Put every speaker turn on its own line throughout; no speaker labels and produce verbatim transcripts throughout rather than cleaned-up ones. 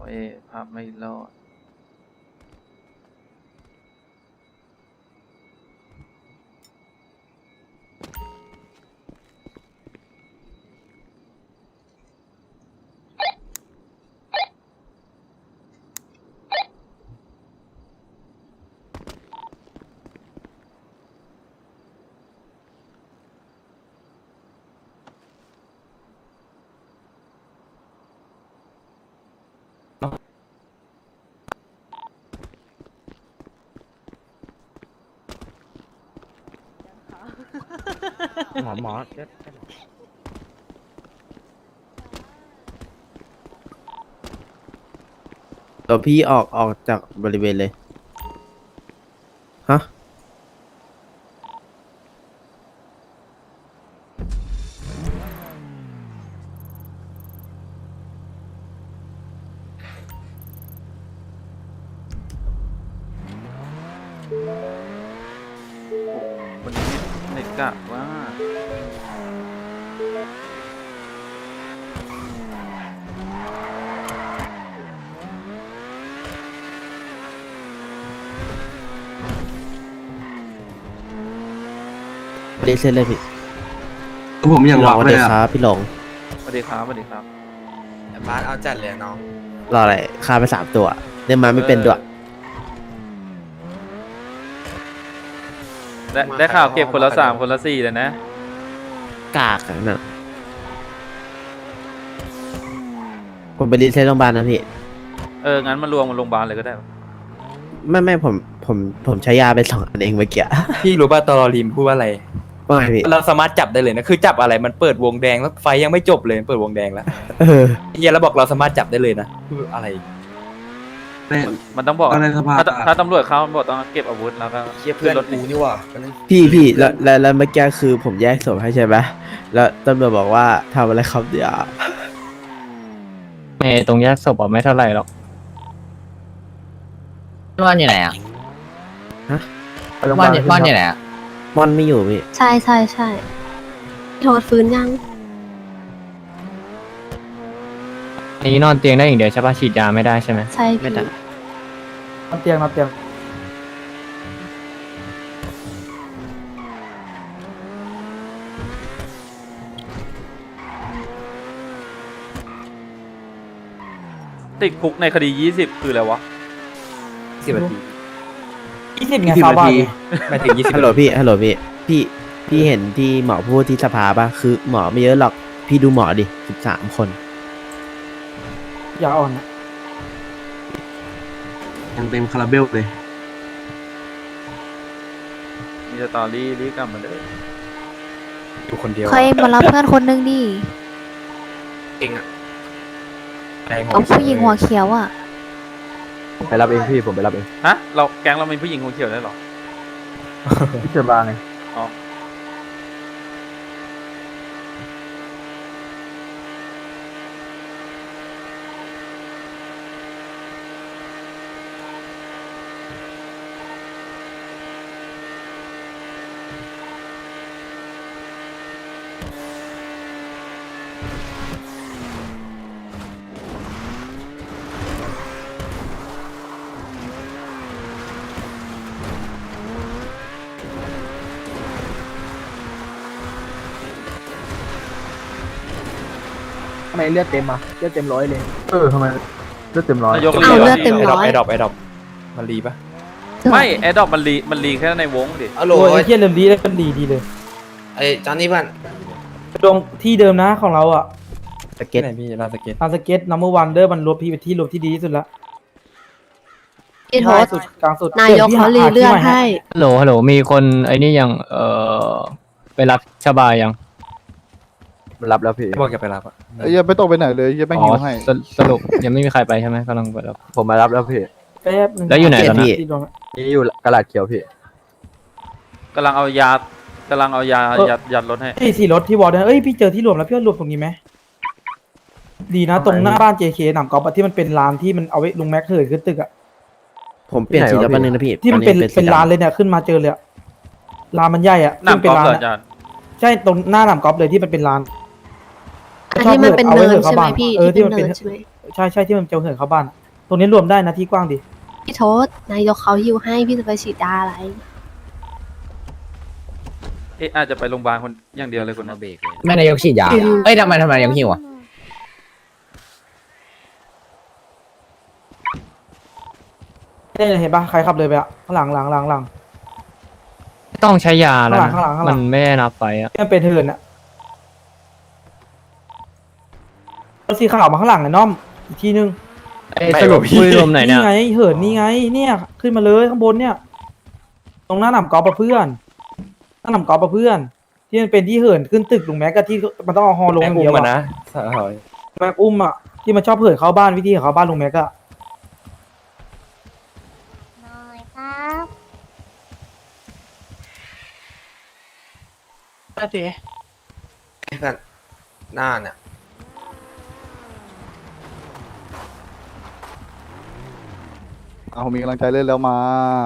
เอภาพไม่รอด
หมอหมอตัวพี่ออกออกจากบริเวณเลย ฮะ
วันนี้เน็ตกะว่า
เดซเล่นเลยพี่
ผมยัง
พี่หล
วั
ง
ก
สวัส
เล
ดี
ย
ค
อะ
รับพี่หลง
สวัสดีครับสวัสดีครับ
บาสเอาจัดเลยน้อง
รออะไรฆ่าไปสามตัวเล่นมาไม่เป็นด้วย
ได้ได้ข่าวเก็บคนละสามคนละสี่เลยนะ
กากอะน่ะผมไปรีเซ็ตโรงพยาบาลนะพี่
เอองั้นมารวมกันโรงพยาบาลเลยก็ได้
ไม่ไม่ผมผมผมใช้ยาไปสองอันเองเมื่อกี้
พี่รู้ป่ะตอรอริมพูดว่าอะไร
ว่าไงพี่
เราสามารถจับได้เลยนะคือจับอะไรมันเปิดวงแดงแล้วไฟยังไม่จบเลยมันเปิดวงแดงแล้ว
เออ
เฮียแล้วบอกเราสามารถจับได้เลยนะคืออะไร
เป็น
มันต้องบอก
อะไรสภาพ
ถ้าถ้าตำรวจเข้ามันบอกต้องเก็บอาวุธแล้วก็
เฮียเพื่อน
ขึ้รถ
กูนี่หว่า
พี่พี่แล้วแล้วแล้วเมื่อกี้คือผมแยกศพให้ใช่ไหมแล้วตำรวจบอกว่าทำอะไรครับเดี๋ยว
เมย์ตรงแยกศพอ่ะไม่เท่าไหร่หรอกว่านอยู่ไหนอ่ะ
ฮะ
ว่านว่านอยู่ไหนอ่ะ
มอนไม่อยู่พี่
ใช่ใช่ใช่โทษฟื้นยัง
อันนี้นอนเตียงได้อย่างเดียวใช่ป่ะฉีดยาไม่ได้ใช่ไหม
ใช่
ไม่
พี่
ได้
นอนเตียงนอนเตียง
ติดคุกในคดียี่สิบคืออะไรวะ
สิบนาที
ยี่สิบนาที
ไม่ถึงยี่สิบ
ฮัลโหลพี่ฮัลโหลพี่พี่พี่เห็นที่หมอพูดที่สภาป่ะคือหมอไม่เยอะหรอกพี่ดูหมอดิสิบสามคน
อย่าอ่อน
ยังเต็มคาราเบลเลย
มีสตอรี่รีบกลับมาเลย
อยู่คนเดียว
เคยมารับเพื่อนคนนึงดิ
เองอ่ะ
เอาผู้หญิงหัวเขียวอ่ะ
ไปรับเองพี่ผมไปรับเอง
ฮะเราแก๊งเรามีผู้หญิงหัวเขียวได้หรอ
พี่เจอบางไง
อ๋อ
ทำไมเลือดเต็มอ่ะเลือดเต็มร้อยเลย
เออทำไมเลือดเต็มร้อย
นายก
เอาเลือดเต็มร้อย
ไอดอปไอดอปมันรีปะ
ไม่แอดดอกมันรีมันรีแค่ในวงดิ
เอาโหล
โอ้ยเฮียเริ่มดีแล้วกันดีดีเลย
ไอ้จอนนี่เพื่อน
ตรงที่เดิมนะของเราอ่ะ
สเก็ต
ไหนพี่ลานสเก็ตลานสเก็ตนัมเบอร์วันเดอร์มันรวมพี่เป็นที่รวมที่ดีที่สุดละ
พี่โทษ
สุดกลางสุด
นายกเขารีเลือดให้
ฮัลโหลฮัลโหลมีคนไอ้นี่ยังเอ่อไปรับชาบายัง
รับแล้วพี่
บอกอย่าไปรับอ่ะ
ยังไม่ต้องไปไหนเลยยังไม่
อ๋
หิ
อ
วให้
สรุปสรุปยังไม่มีใครไปใช่ไหมกำลังไปรับ
ผมมารับแล้วพี่
แป๊บนึง
แล้วอยู่ไหนตอนนั้น
ที่รวมอะ
นี่อยู่กระดาษเขียวพี่
กำลังเอายากำลังเอายายัดยัดรถให้
ไอ้ที่รถที่วอร์ดเอ้ยพี่เจอที่รวมแล้วพี่ว่ารวมตรงนี้ไหมดีนะตรงหน้าบ้าน เจ เค หนามกอล์ฟอะที่มันเป็นลานที่มันเอาไว้ลุงแม็กเถิดขึ้นตึกอะ
ผมเปลี่ยนสีแล้วแป๊บนึงนะพี่
ที่มันเป็น
ตอสี
เป็น
ดำ
ลานเลยเนี่ยขึ้นมาเจอเลยอะลานมันใหญ่อะ
หน้า
ซึ่งเป็
กอน ล์ฟ
ลาน
เหรอ
อะ
อาจารย์
ใช่ตรงหน้าหนามกอล์ฟเลยที่มันเป็นลาน
อันที่มันเป็นเนินใช่ไหมพี่
เออ
ที่
ที่
เป็น
มัน
เนิ
เป็น
นใช่ไหม
ใช่ใช่ที่มันจะเหินเข้าบ้านอะตรงนี้รวมได้นะที่กว้างดิ
พี่โทษนายกเขาหิวให้พี่จะไปฉีดยาอะไร
เอ๊ะอาจจะไปโรงพยาบาลคนอย่างเดียวเลยคนนั้น
แม่นายกฉีดยาเอ้ยทำไมทำไมนายกหิวอ่ะ
เนี่ยเห็นปะใครขับเลยไปอะข้างหลังหลังหลังหลัง
ต้องใช้ยาแล้วนะ
ข้างหลังข้างหลัง
มันไม่ได้นับไปอ่ะ
ที่มันเป็นเหินอะรถสีขาวมาข้างหลังไอ้น้อมอีกทีนึง
เอ้ยสรุปคุยรวมไหนเนี่ย
ไงเหินนี่ไง เนี่ยขึ้นมาเลยข้างบนเนี่ย ตรงหน้าหนำกอล์ฟอะเพื่อนหน้าหนำกอล์ฟอะเพื่อน ที่มันเป็นที่เหินขึ้นตึกลุงแม็กกับที่มันต้องเอาฮอลงอย่างเดียวอะแม็กอุ้มอะที่มันชอบเหินเข้าบ้านวิธีของเขาบ้านลุงแม็กอะ
น้อยครับ
ไอ้เพื่อนหน้าเนี่ย
เอาผมมีกำลังใจเล่นแล้วมา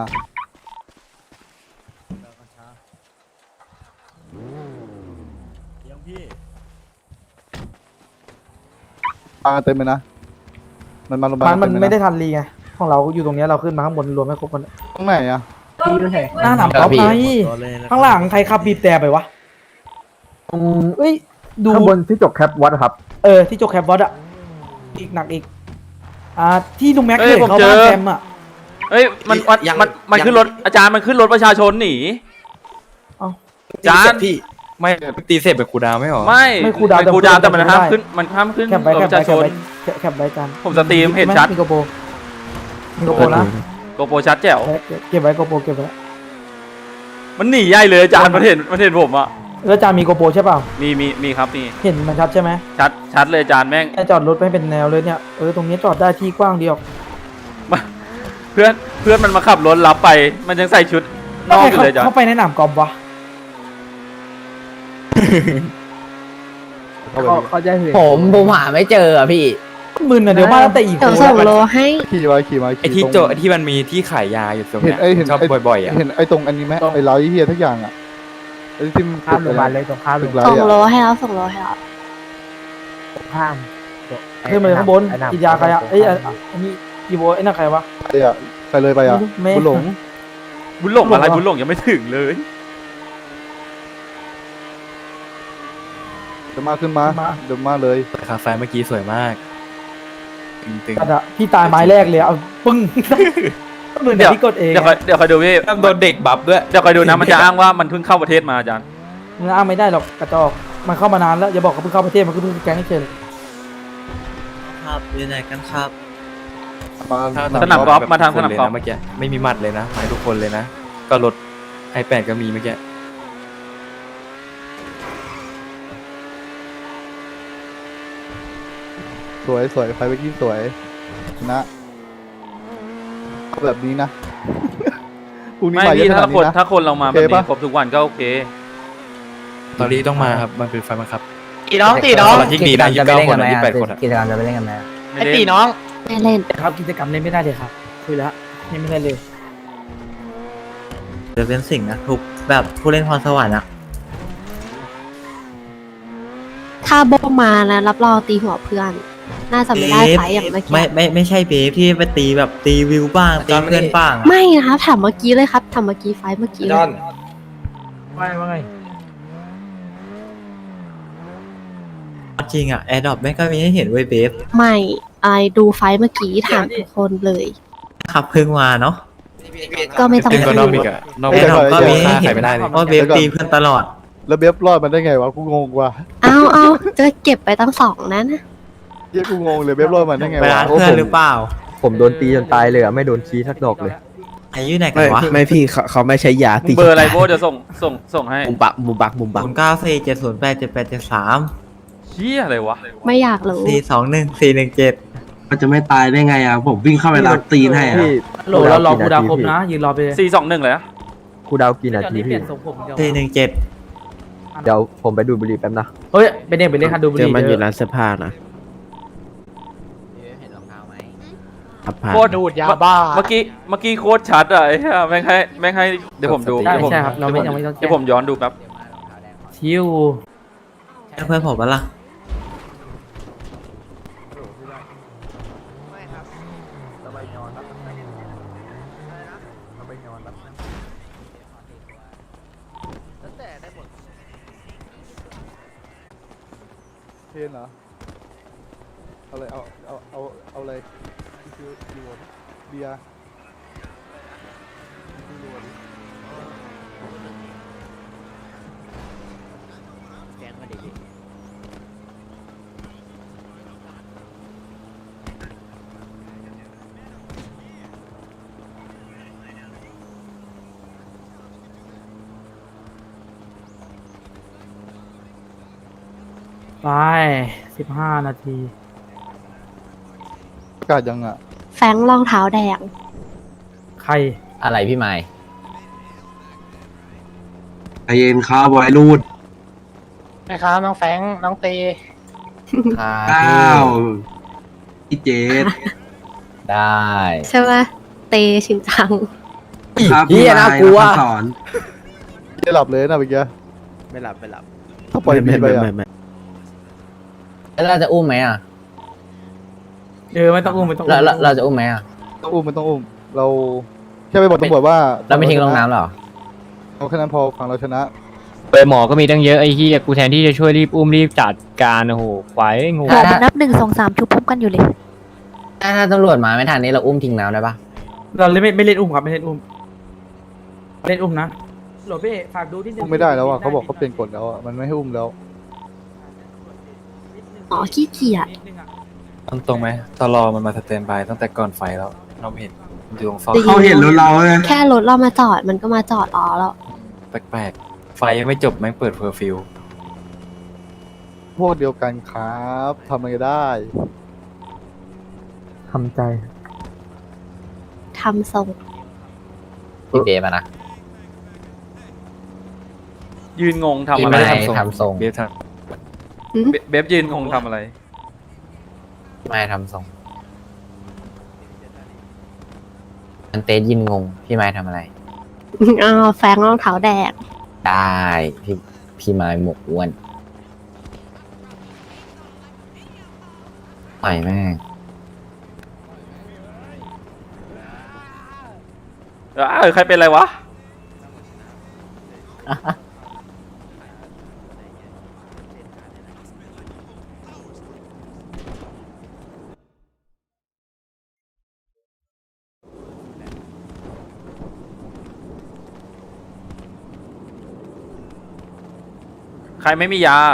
ปาเต็มเลยนะ มันมาลง
มันมัน
เต็เลยะ
ไม่ได้ทันรีไงของเราอยู่ตรงเนี้ยเราขึ้นมาข้างบนรวมให้ครบกัน
ตรงไหนอะ
หน้าหนำกอล์ฟไงข้างหลังใครขับบีบแต่ไปวะเอ้ยดู
ข้างบนที่จกแคปวัดครับ
เออที่จกแคปบอสอะอีกหนักอีกอ่าที่ลุงแม็ก
เอ้
เค
ย
ย
ผม
เข้า
เจ
บ้าน
อ
แซมอะ
เอ้ยมันมันมันมันขึ้นรถอาจารย์มันขึ้นรถประชาชนหนี จาน
พี่
ไม่ตีเสร็จเป็นครูดาวไม่หรอ
ไม่
ไม่ครูดาว
เป็นครูดาวแต่
แต่
มัน
ไม่
ห้าม
ได้
ขึ้นมันห้ามขึ้น
แคปไว้
รถ
แค
ป
ประ
ชาชน
ไว้แคปแคปไว้กัน
ผมสตรีมเห็นชัด
มีโกโปรมีโกโปรนะ
โกโปรชัดแจ๋ว
เก็บไว้โกโปรเก็บไว้
มันหนีใหญ่เลยอาจารย์มันเห็นมันเห็นผมอ่ะ
แล้วจามีโกโปรใช่เปล่า
มีมีมีครับมี
เห็นมันชัดใช่ไหม
ชัดชัดเลยอาจารย์แม่ง
แค่จอดรถไม่เป็นแนวเลยเนี่ยเออตรงนี้จอดได้ที่กว้างเดียว
เพื่อนเพื่อนมันมาขับรถรับไป มันยังใส่ชุดนอกอยู่เลยอาจาร
เข้า
ย์
ไปในหนามกอล์ฟวะ
เขาจะเห็นผมผมหาไม่เจออ่ะพี่
มึนอ่ะเดี๋ยวมาตั้งแต่อีก
เดี๋ยวส่งโลให้
ขี่มาขี่มา
ไอ
ขี่
ที่
ตรง
โจไอที่มันมีที่ขายยาอยู่ตรง
เห็น
เนี้ย
ไอ้เห็น
ชอบ
ไอ้
บ่อยๆอ่ะ
เห็นไอ้ตรงอันนี้ไหมไอ้ไลท์เฮียทุกอย่างอะไอ้ที่มัน
ข้ามโรงพยาบาลเลยตรงข้าม
ตึ
เลย
กไล
ส่ง
ท์
โล
อะ
ให้แล้วส่งโลให้แล้ว
ข้ามขึ้นมาเลยข้างบนกินยาใครอ่ะเอ้ยอันอันนี้อีโบไอ้นั่นใครวะ
ไอ้อะไปเลยไปอะ
ไม่
บุญหลง
บุญหลงอะไร
บุญหลง
บุญหลงยังไม่ถึงเลย
เดี๋ยวมาขึ้นมาเดี๋ยวมาเลย
คาเฟ่เมื่อกี้สวยมากตึง
กระดะพี่ตายไม้แรกเลยเอาปึ้งเหมือน
เดี๋ยว
พี่กดเอง
เดี๋ยวคอยเดี๋ยวคอยดูพี่
ๆโดนเด็กบัฟด้วย
เดี๋ยวคอยดูนะมันจะอ้างว่ามันเพิ่งเข้าประเทศมาอาจารย์
มึงอ้างไม่ได้หรอกกระจอกมันเข้ามานานแล้วอย่าบอกเขาเพิ่งเข้าประเทศมันก็เพิ่งแก๊งให้เฉย
ครับอยู่ไหนกันครับ
มา
สนามกอล์ฟมาทางสนามกอล์ฟ
เมื่อกี้ไม่มีหมัดเลยนะหมายทุกคนเลยนะ ก็รถไอแปดก็มีเมื่อกี้
สวยสวยไฟเมื่อกี้สวยชนะเอาแบบนี้นะพรุ่งนี้
ไม่
มาเย
พี่
อะข
ถ้า
นาด
คน
นี้นะ
ถ้าคนเรามา
โอ
แบ
เค
บนี้
ปะ
ครบทุกวันก็โอเค
ตอนนี้ต้องมาครับมันเป็นไฟบังคับ
ตีน้องตีน้อง
ที่หนีได้ยี่สิบเก้าคนยี่สิบแปดคนอะ
กิจกรรมจะไปเล่นกันไหม
ไอ้ตีน้อง
ไม่เล่น
ครับกิจกรรมเล่นไม่ได้เลยครับคุยแล้วยังไม่ได้เลย
จะเป็นสิ่งนะทุกแบบผู้เล่นพรสวรรค์อะ
ถ้าโบมานะรับรองตีหัวเพื่อน น่าจะไม่ได้ไฟต์อย่างเมื่อกี้
ไม่ไม่ไม่ใช่เบฟที่ไปตีแบบตีวิวบ้างตีเพื่อนบ้างอะ
ไม่นะครับถามเมื่อกี้เลยครับถามเมื่อกี้ไฟต์เมื่อกี้
จ
เล
อย น
ไม่ไม่
จริงอะแอร์ดรอปแม่งก็มีให้เห็นเว้ยเบฟ
ไม่ไอดูไฟต์เมื่อกี้ถามทุกคนเลย
ขับเพิ่งมาเนาะ
ก็ไม่ต้อง
ซึ่งก็นอก
พู
อี
ด
กอะนอก
แอร์ดรอปก็มีให้
ค่า
เห็
ขาน ยไม่ได้เลย
ว่าเบฟตีเพื่อนตลอด
แล้วเบฟรอดมันได้ไงวะกูงงว่ะ
เอาเอาจะเก็บไปตั้งสองนั้นนะ
เฮียกูงงเลยเบฟรอดมันได้ไง
เวลาว
ะ
เพื่อนหรือเปล่า
ผมโดนตีจนตายเลยอะไม่โดนชี้ทักดอกเลย
อายุไหนกั
ไม่
นวะ
ไม่พี่เขาเขาไม่ใช้ยาตี
เบอร์อะไรโบทจะส่งส่งส่งให้
มุมบักมุมบักมุมบัก
ศูนย์เก้าสี่เจ็ดศูนย์แปดเจ็ดแปดเจ็ดสาม
เชี่ยอะไรวะ
ไม่อยากรู้
สี่สองหนึ่งสี่หนึ่งเจ็ด
มันจะไม่ตายได้ไงอ่ะ ผมวิ่งเข้าไปรับตีนให้อ่ะ
โหลเรารอกูดาวครบนะยืนรอไปเลย
สี่สองหนึ่งเลยนะ
ครูดาวกี่นาที
เป
พี่
ลี่ยนทรงผมเดียว
สี่หนึ่งเจ็ด
เดี๋ยวผมไปดูบุหรี่แป๊บนะ
เฮ้ยเป็นเด็กเป็นเล่นคันดูบุห
เจอ
รี่
มันอยู่
เด้อ
ร้านเสื้อผ้านะครับผ่าน
โคตร
ดูดยาบ้า
เมื่อกี้เมื่อกี้โคตรชัดอะไอ้เหี้ยแม่งให้แม่งให้เดี๋ยวผมดู
ใช่
เดี๋ยวผม
ใช่ครับเราไม่ยังไม่ต้อง
เดี๋ยวผมย้อนดูครับ
ชิว
เพื่อนผมปะล่ะ
ไม่ครับ
เราไปนอนรับน้ำเราไปนอนรับน้ำ
แล้วแต่ได้หมด
เทนเหรอเอาเลยเอาเอาเอาเอาเลยคือยูเบียร์
แจ้งมาดิพี่
ไปสิบห้านาที
ประกาศยังอ่ะ
แฟงรองเท้าแดง
ใคร
อะไรพี่ไม้
ใจเย็นครับไวรูด
นะครับน้องแฟงน้องตี
เก้าพี่เจด
ได้
ใช่ไหมเตชินจัง
ครับ
เหี้
พี่
ย
ไม้
น่ากลัว
นักสอน
ไม่หลับเลยนะเมื่อกี้
ไม่หลับไม่หลับ
ถ้าปล่อย
ไม่
บีไป
ไม่
อ่ะ
ไม่ไม่
แล้วเราจะอุ้มไหมอ่ะ
เออไม่ต้องอุ้มไม่ต้อง
เรา
อุ้ม
เราเราจะอุ้มไหมอ่ะ
ต้องอุ้มมันต้องอุ้มเราแค่ไปบอกตำรวจว่า
เราไม่ทิ้งลงน้ำหรอ
เอาแค่นั้นพอฝั่งเราชนะ
เปหมอก็มีตั้งเยอะไอ้ที่กูแทนที่จะช่วยรีบอุ้มรีบจัดการโอ้โหควายงู
หมอมันนับหนึ่งสองสามชุบพร้อมกันอยู่เลย
ถ้าถ้าตำรวจมาไม่ทันนี้เราอุ้มทิ้งน้ำได้ปะ
เราเล่นไม่ไม่เล่นอุ้มครับไม่เล่นอุ้มเล่นอุ้มนะโหลดพี่ฝากดูที่
อุ้มไม่ได้แล้วอ่ะเขาบอกเขาเปลี่ยนกฎแล้วอ่ะมันไม่ให้อุ้มแล้ว
อ๋อขี้เกียจ
ตรงตรงไหมตลอมันมาสแตนบายตั้งแต่ก่อนไฟแล้ว เราไม่เห็นมันอยู่ตรงฟอก
เขาเห็นรถเราเลย
แค่รถเรามาจอดมันก็มาจอดรอแล้ว
แปลกๆ ไฟยังไม่จบแม่งเปิดเพอร์ฟิว
พวกเดียวกันครับทำอะไรได้
ทำใจ
ทำทรง
พี่เบมานะ
ยืนงงทำ
พี่
อะ
ไม่
ไร
ได้ทำทรง
เบียร์ท
เบเบฟยืนงงทำอะไร
ไม่ทำทรงอันเตสยินงงพี่ไม้ทำอะไร
อ้าวแฟงรองเท้าแดง
ได้พี่พี่ไม้หมกอ้วนไปแม่ง
เออใครเป็นอะไรวะ ใครไม่มียา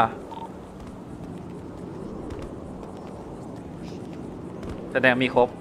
แสดงมีครบ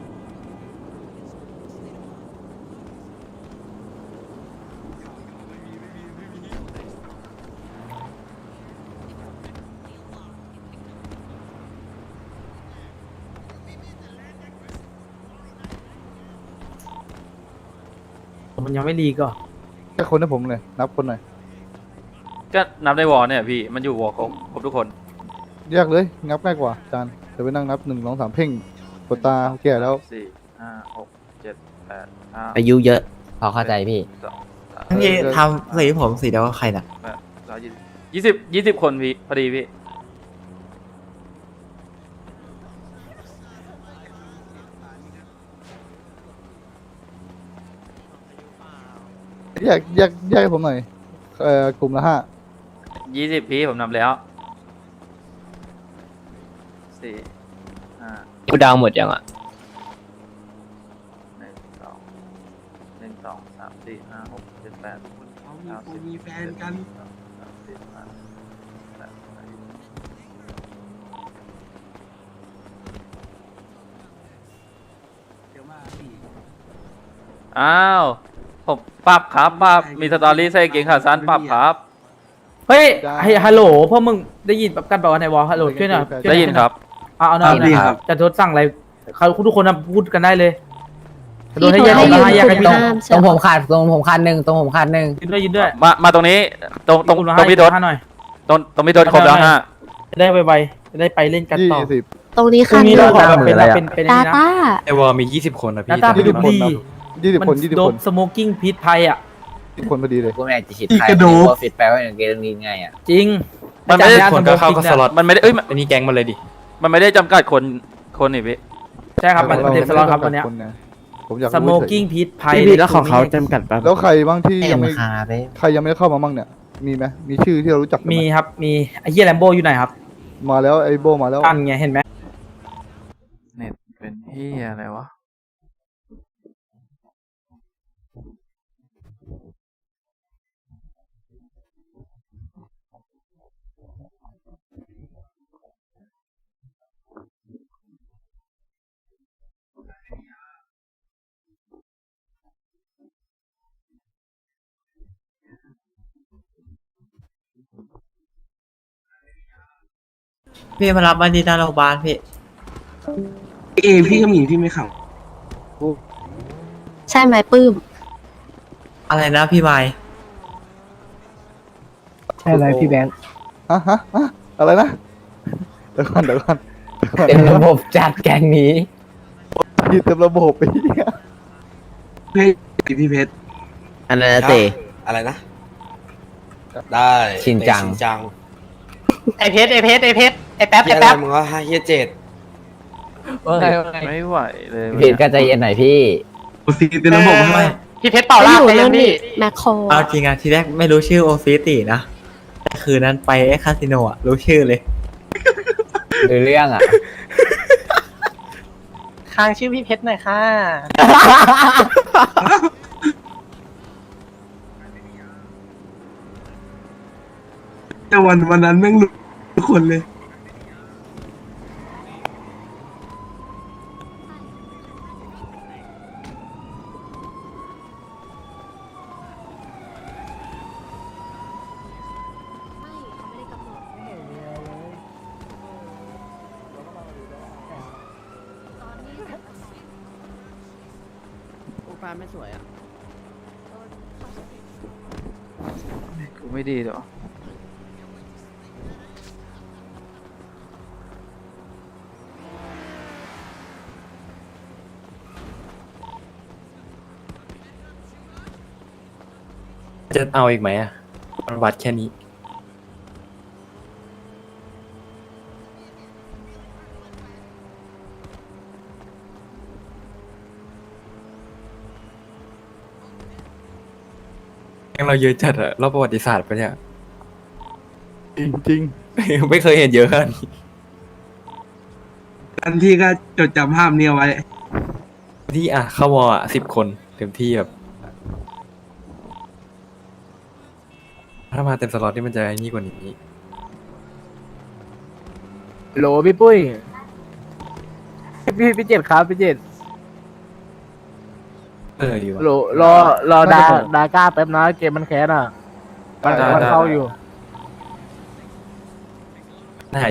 มันยังไม่รีก็
แค่คนให้ผมเลยนับคนหน่อย
ก็นับในวอลเนี่ยพี่ มันอยู่วอลครบครบทุกคน
แยกเลยนับง่ายกว่าจานเดี๋ยวไปนั่งนับหนึ่งสองสามเพ่งกดตาแก่แล้ว
สี่ห้าหกเจ็ดแปดเก้า
อายุเยอะ
พอเข้าใจพี่
สองสาม
นี่ทำสีผมสีเดียวกับใครน่ะ
แปดเก้ายี่สิบยี่สิบยี่สิบคนพี่พอดีพี่
แยกแยกแยกให้ผมหน่อยเอ่อกลุ่มละห้า
ยี่สิบพี่ผมนำแล้วสี่ห้า
กูดาวหมดยังอ่ะ
หนึ่งสองหนึ่งสองสามสี่ห้าหกเจ็ดแปดเก้าสิบ
มีแฟนกัน
สองสามสี่ห้าแปดเก้าอ้าวผมปรับครับปรับมีสตอรี่ใส่เกงขาสั้นปรับครับ
เฮ้ยไฮฮัลโหลพวกมึงได้ยินแบบกันเปล่าวะในวอลฮัลโหลช่วยหน่อยช่ว
ได้ยินครับ
เอาเอาหน่อย
ได้ยิน
นะ
ค
ค
รั
รับ บจะทดสั่งอะไรเขาทุกคนนะพูดกันได้เลยจะโด
พี่
นให้
โทร
แยก
ให้
ออก
ยื
มาน ให้แยก
ก
กัน
ลุ่ม
พี่
ห้าม
ตรงผมขาดตรงผมขาดหนึ่งตรงผมขาดหนึ่ง
ยืนด้วยยืนด้วย
มามาตรงนี้ตรงตรง
กลุ่มละ
ตรงพี่โดด
ห้าหน่อย
ตรงตรงพี่โดดครบแล้วฮะ
จะได้ไวๆจะได้ไปเล่นกัน
ยี่
ต่อ
สิบ
ตรงนี้
พรุ่
ค่ะ
งนี้
ห
เรา
นึ่ง
ขอแบบเป็นเป็นเป็น
ตา
นี่นะ
ตา
ไอวอลมียี่สิบคนนะ
หน้า
พี่
ตาไป
ที่
ดู
ทำ
ดี
ยี่สิบ
มั
คนยี่สิบ
โด
ค
บ
น
สโมกกิ้งพิษภัยอ่ะ
ยี่สิบคนพอดีเลย
กูไม่อยากจะฉีด
อีก
ไฟ
กระดูก
ว่าฟิตแปลว่าอย่างเกมนี้ไงอ่ะ
จริง
มันไม่ได้
อาจารย์
คน
ยา
ก็เข้าก็สล็อต
มันไม่ได้เอ้ยมัน
อันนี้แก๊งมาเลยดิ
มันไม่ได้จำกัดคนคนนี่พี่
ใช่ครับมันเต็มสล็อตครับวันเนี้ย
คนนะผมอยาก
ส
รู้
โม
เฉย
กิ้งพีทไพ
พี่พี่แล้วของเขาจำกัดปะ
แล้วใครบ้างที่ยังไม่
เอ็มคาร์ไป
ใครยังไม่ได้เข้ามาบ้างเนี่ย มีไหมมีชื่อที่เรารู้จักกันไห
มีครับมีไอ้เฮียแลมโบอยู่ไหนครับ
มาแล้วไอ้โบมาแล้ว
อันไงเห็นไหม
เน็ตเป็นเฮียอะไรวะ
พี่มารับมาที่หน้าโรงพยาบาลพี่
เอพี่ก็มีพี่ไม่ขัง
ใช่ไหมปื้ม
อะไรนะพี่ไมค์
ใช่เลยพี่แบงค์
ฮะฮะฮะอะไรนะเดี๋ยวก่อนเดี๋ยวก่อนเดี๋ยวก่อน
เป็นระบบจัดแกงนี้
พี่เต็มระบบไปเหี้ย
เพชรพี่เพชร
อันนั้นนะเต
อะไรนะ ได้
ชินจัง
ชินจัง
ไอเพชรไอเพชรไอเพชรไอแป๊บ
เฮี
ไอย
อะไร
แป๊บ
มึงว่าเฮียเจ็ด
ไม่ไหวเลย
เพชรก็ใจเย็นหน่อยพี่
โอซีเต็มระบบให้
พี่เพชรเป่าลาบ
อยู่
ไปยั
นั่
ง
น
พี่
นี่แมคโคร
เอาจริงอะทีแรกไม่รู้ชื่อโอซิตินะแต่คืนนั้นไปไอ้คาสิโนอะรู้ชื่อเลย
ดูเรื่องอ่ะค้างชื่อพี่เพชรหน่อยค่ะ
แต่วันวันนั้นแม่งรู้ทุกคนเลย
ปลาไม่สวยอ่ะ
กูไม่ดีหรอ
จะเอาอีกไหมอ่ะมันวัดแค่นี้ ยังเราเยอะจัดอะรอบประวัติศาสตร์ปะเนี่ย
จริงจริง
ไม่เคยเห็นเยอะขนาดนี้
อันที่ก็จดจำภาพนี้เอาไว้
ที่อ่ะเข้าวออ่ะสิบคนเต็มที่แบบ ถ้ามาเต็มสล็อตนี่มันจะนี่กว่านี้
โหลพี่ปุ้ย พี่พี่เจ็ดครับพี่เจ็ด
เออดีว่ะ
โหลรอรอดาดาก้าแป๊บนะเกมมันแคสอ่ะมันมันเข้าอยู่